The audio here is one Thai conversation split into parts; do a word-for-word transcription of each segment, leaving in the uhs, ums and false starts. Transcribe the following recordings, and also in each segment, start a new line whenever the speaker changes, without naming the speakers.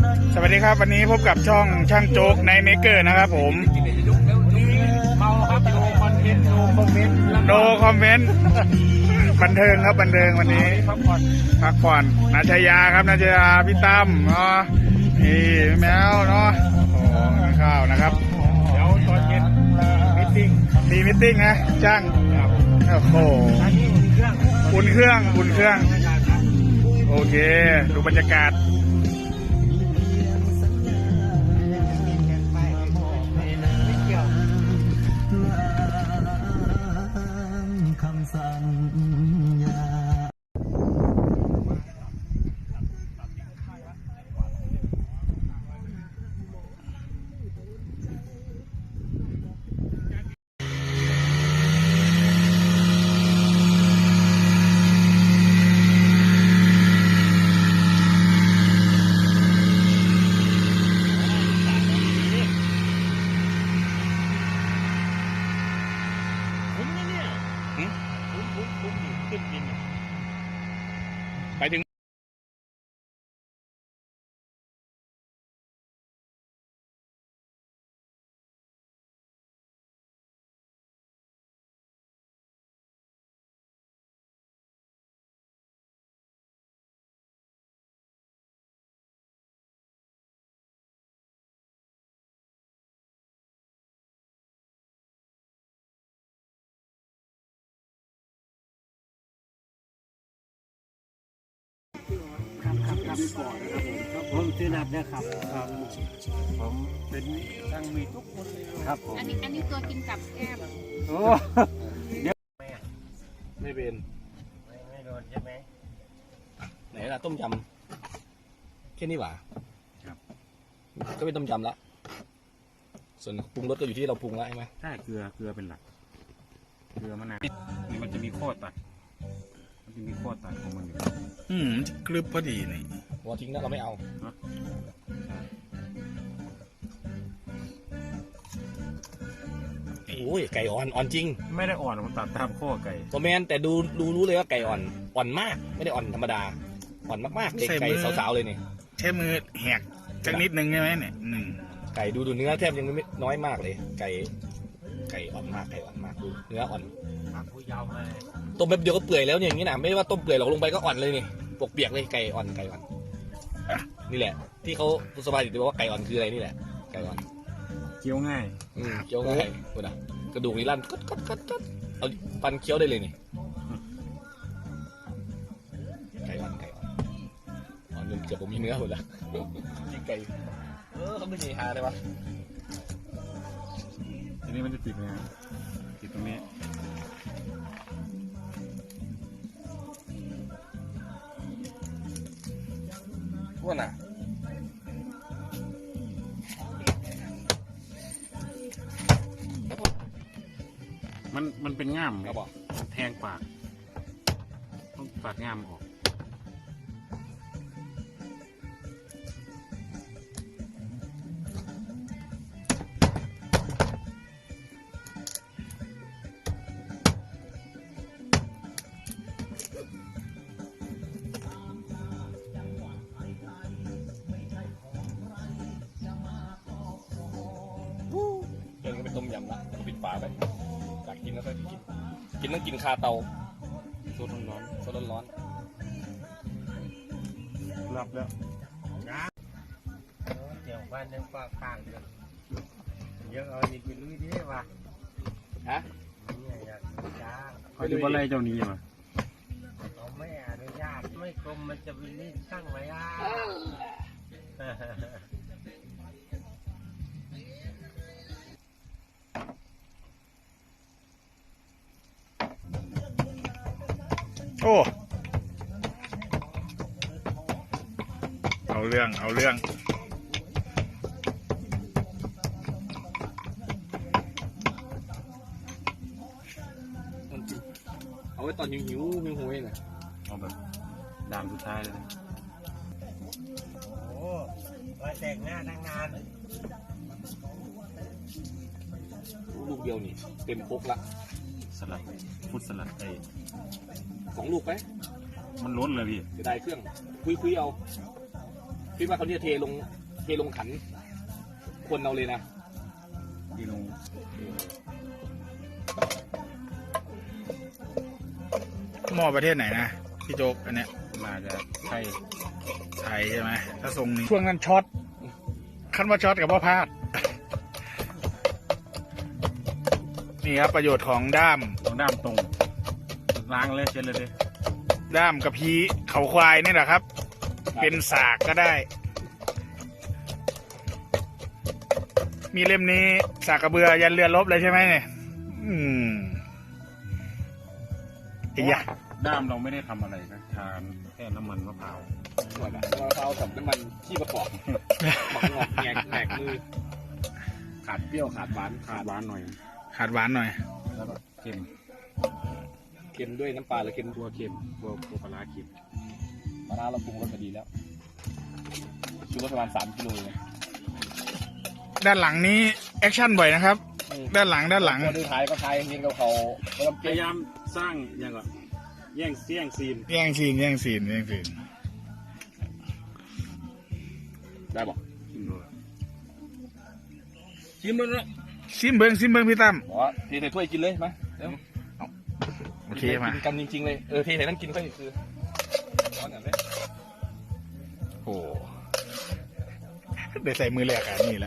สวัสดีครับวันนี้พบกับช่องช่างโจ๊กในเมเกอร์นะครับผม
เมาครับโนคอนเทนต์โนคอมเมนต์
โนคอมเมนต์บันเทิงครับบันเทิงวันนี้
พักผ่อน
พักผ่อนนาชยาครับนาชยาพี่ตั้มเนาะนี่แมวเนาะโอ้กินข้าวนะครับ
เดี๋ยวตอนเย็นมิทติ้ง
มีมิทติ้งนะช่างโอ้โห
อันนี้อุ่นเครื่อง
อุ่นเครื่องอุ่นเครื่องโอเคดูบรรยากาศไปถึง
ครับครับครับก่อนนะครับผมผมชื่อนับนะครับผมเป็นช่างมีทุกคนเลยครับผม
อันนี้อันนี้ตัวกินกับแก้ม
โอ้เดี๋ยวไม่เป็นไม่ไม่โดนใช่ไหม
ไหนล่ะต้มยำแค่นี้หว่าครับก็เป็นต้มยำละส่วนปรุงรสก็อยู่ที่เราปรุงแล้วใช่ไหม
ใช่เกลือเกลือเป็นหลักเกลือมะนาวนี่มันจะมีข้อตัดมันจะมีข้อตัดของมันอยู่
อืมกรึบพอดีนี่
หัวทิ้งนะเราไม่เอาโอ้ยไก่อ่อนอ่อนจริง
ไม่ได้อ่อนผมตัดตามข้อไก่
ตัวแมนแต่ดูดูรู้เลยว่าไก่อ่อนอ่อนมากไม่ได้อ่อนธรรมดาอ่อนมากๆเด็กไก่สาวๆเลยนี่
ใช้มือแหกจังนิดนึงใช่ไหมเนี่ยหนึ่ง
ไก่ดูดูเนื้อแทบยังไม่น้อยมากเลยไก่ไก่อ่อนมากไก่อ่อนมากดูเนื้ออ่อนต้มแป๊บเดียวก็เปื่อยแล้วเนี่ยอย่างนี้นะไม่ว่าต้มเปื่อยหรอกลงไปก็อ่อนเลยนี่ปกเปียกเลยไก่อ่อนไก่อ่อนนี่แหละที่เขาสบายดีบอกว่าไก่อ่อนคืออะไรนี่แหละไก่อ่อน
เคี้ยวง่าย
อืมเคี้ยวง่ายกูนะกระดูกนี่ลั่นกัดกัดกัดกัดเอาปันเคี้ยวได้เลยนี่ไก่อ่อนไก่อ่อนอ่อนจนเกือบผมมีเนื้อหมดละยิงไก่เออเขาไม่ใช่หาได้ปะ
ทีนี้มันจะติดไงติดตรงนี้
ว่าน่ะ
มันมันเป็นง่าม
ครับบอก
แทงปากต้องปากง่ามออก
เดินก็เป็นต้มยำละปิดฝาไปอยากกินแล้วก็กินกินต้องกินคาเตาโซดร้อนโซดร้อน
รับแล้วเดี๋ยวบ้านยังฝากข้างเลยเยอะเอาอีกไปลุยดิวะ
ฮะ
เนี่ยอยากจ้าเขาดูอะไรเจ้านี้มาเขาไม่อนุญาตไม่กรมมันจะไปรีดช่างไว้อ่ะ
โอ้เอาเรื่องเอาเรื่อง
เอาไว้ตอนหิวหิวหิวหิวเองนะ
เอาแบบดามสุดท้ายเลยนะโอ้ไว้แต่งหน้าตั้งนาน
ลูกเดียวนี่เต็มพกละ
สลัดฟุตสลัดไอ้
สองลูกไหม
มันล้นเลยพี่
จะได้เครื่องคุยคุยเอาเทพี่ว่าเขาเนี่ยเทลงเทลงขัน คนเอาเลยนะ
ที่ลง
หม้อประเทศไหนนะพี่โจ๊กอันเนี้ย
มาจะใช่
ไทยใช่ไหมถ้าทรงนี้ช่วงนั้นช็อตคันว่าช็อตกับว่าพลาด นี่ครับประโยชน์ของด้าม
ตรงด้ามตรงล้างเลยเช็ดเลยดิ
ด้ามกระพี้เขาควายนี่แหละครับ เป็นสากก็ได้ มีเล่มนี้สากกระเบือยันเรือรบเลยใช่ไหมเนี่ยอืมไอ้ยะ
ด้ามเราไม่ได้ทำอะไรนะทานแค่น้ำมันมะพร้าว
หมดอะมะพร้าวกับน้ำมันขี้ประกอบหมักงอกแงกแหกมือขาดเปรี้ยวขาดหวาน
ขาดหวานหน่อย
ขาดหวานหน่อย
แล้วก็เค็ม
เค็มด้วยน้ำปลาหรือเค็ม
ตัวเค็มตัวตัวปลาร้าเค็ม
มะนาวเราปรุงรสมาดีแล้วชูรสประมาณสามกิโลเลย
ด้านหลังนี้แอคชั่นบ่อยนะครับ ด้านหลังด้านหลัง
พอดูท้ายก็ท้ายเงินกับเขาเขา
พยายามสร้างอย่างก่อนแย่งเสี่ยงซีน
แย่งซีนแย่งซีนแย่งซีน
ได้บอก
ชิมดู
ชิมเลยนะ
ซิมเบิงซิมเบิงพี่ตั้ม
บอกว่าเทใส่ถ้วยกินเลยมาเดี๋ยว
โอเคมา
กินกันจริงๆเลยเออเทใส่นั่นกินก็คือร้อนอย่างนี้
โอ้ได้ใส่มือแรกอันนี้แหละ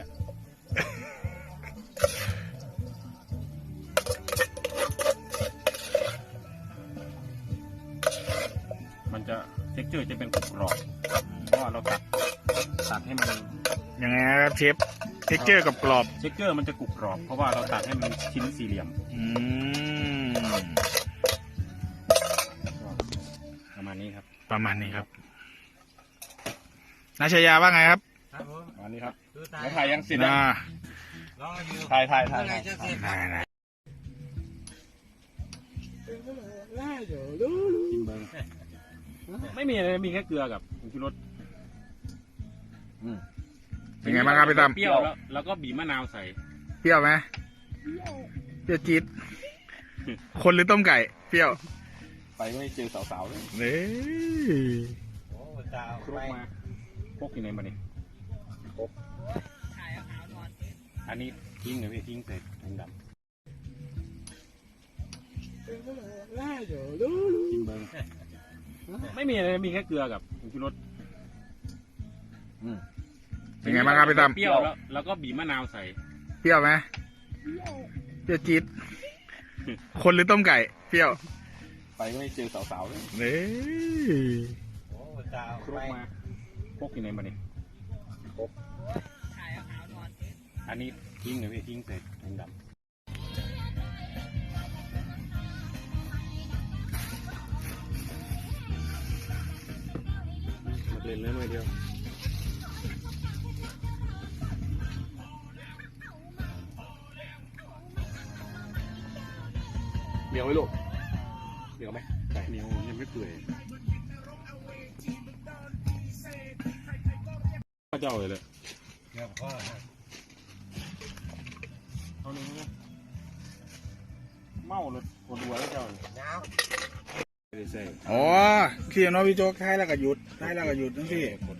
มันจะเท็กเจอร์จะเป็นกรอบเพราะว่าเราตัดตัดให้มัน
ยังไงครับเชฟเท็กเจอร์กับกรอบ
เท็กเจอร์มันจะกรุบกรอบเพราะว่าเราตัดให้มันชิ้นสี่เหลี่ยม
อืม
ประมาณนี้ครับ
ประมาณนี้ครับนาชยาว่าไงครับ
ประมาณนี้ครับ
แล้วถ่ายยังเสร็จ
น่า
ถ่ายถ่ายถ่ายถ่าย
ได้ได้
กินเบิ้งไม่มีอะไรมีแค่เกลือกับผงชูรส
เป็นไงบ้างครับพี่ตั้ม
เปรี้ยวแล้วแล้วก็บีบมะนาวใส่
เปรี้ยวไหมเปรี้ยวจี๊ดคนหรือต้มไก่เปรี้ยว
ไปไม่เจอสาวๆเลย
เฮ้ย
คลุกมาพกอยู่ในมันนี่พกอันนี้ทิ้งเลยพี่ทิ้งใส่ถุงดำกินเบิ้งไม่มีอะไรมีแค่เกลือกับผงชูรส
เป็นไงบ้างครับพี่ตั้ม
เปรี้ยวแล้วแล้วก็บีบมะนาวใส่
เปรี้ยวไหมเปรี้ยวจี๊ดคนหรือต้มไก่เปรี้ยว
ไปไม่เจอสาวๆเลย
เฮ้ย
คลุกมาพกอยู่ในมันนี่พกอันนี้ทิ้งเลยพี่ทิ้งใส่ถุงดำมาเล่นเล่นหน่อยเดียว
เหนียวไหมลูกเหนียวไหม
เหนียวยังไม่เปื่อยข้าเจ้าเลยเลยเอาหนึ่งนะเมารถปวดหัวแล้วเจ้าไม่ได้ใส่
อ๋อเคลียร์เนาะพี่โจ๊กท้ายแล้วก็หยุดท้ายแล้วก็หยุดนั่นสิ
ปวด